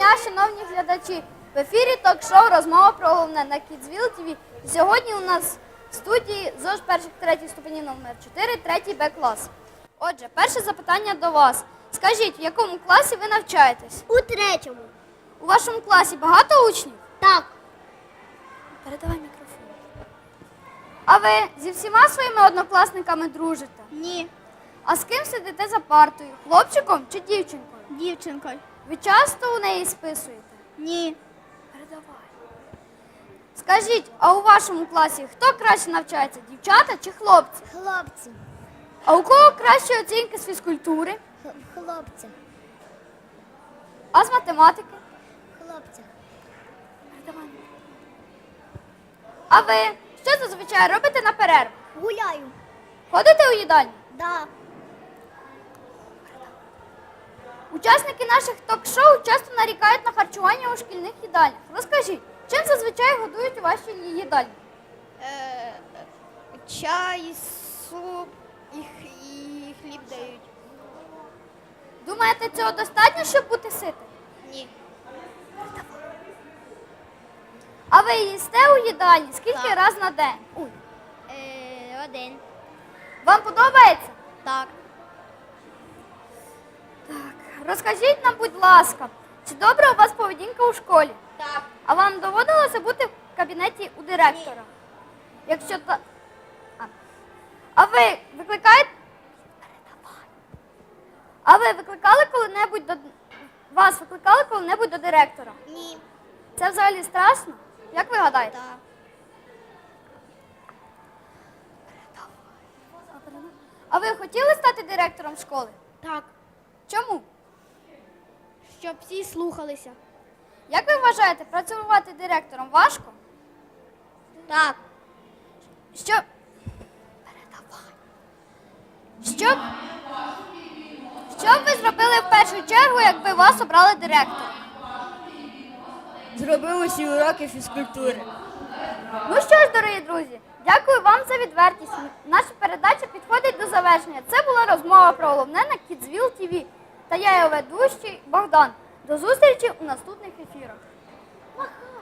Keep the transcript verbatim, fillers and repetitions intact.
дня, шановні глядачі! В ефірі ток-шоу «Розмова про головне» на Kidsville ті ві. Сьогодні у нас в студії ЗОЖ перших третіх ступенів номер чотири, третій Б клас. Отже, перше запитання до вас. Скажіть, в якому класі ви навчаєтесь? У третьому. У вашому класі багато учнів? Так. Передавай мікрофон. А ви зі всіма своїми однокласниками дружите? Ні. А з ким сидите за партою? Хлопчиком чи дівчинкою? Дівчинкою. Ви часто у неї списуєте? Ні. Передавай. Скажіть, а у вашому класі хто краще навчається, дівчата чи хлопці? Хлопці. А у кого кращі оцінки з фізкультури? Х- Хлопці. А з математики? Хлопці. Передавай. А ви що зазвичай робите на перерву? Гуляю. Ходите у їдальню? Да. Учасники наших ток-шоу часто нарікають на харчування у шкільних їдальнях. Розкажіть, чим зазвичай годують у вашій їдальні? Е, чай, суп і, х- і хліб дають. Думаєте, цього достатньо, щоб бути ситим? Ні. А ви їсте у їдальні скільки Так. раз на день? Ой. Е, один. Вам подобається? Так. Розкажіть нам, будь ласка, чи добра у вас поведінка у школі? Так. А вам доводилося бути в кабінеті у директора? Якщо та... А. а ви викликаєте... Передавай. А ви викликали коли-небудь до... Вас викликали коли-небудь до директора? Ні. Це взагалі страшно? Як ви гадаєте? Так. А ви хотіли стати директором школи? Так. Чому? Щоб всі слухалися. Як ви вважаєте, працювати директором важко? Так. Що... Передавай. Що... б- Що б ви зробили в першу чергу, якби вас обрали директором? Зробив усі уроки фізкультури. Ну що ж, дорогі друзі, дякую вам за відвертість. Наша передача підходить до завершення. Це була розмова про головне на Kidsville ті ві. Та я його ведущий Богдан. До зустрічі у наступних ефірах.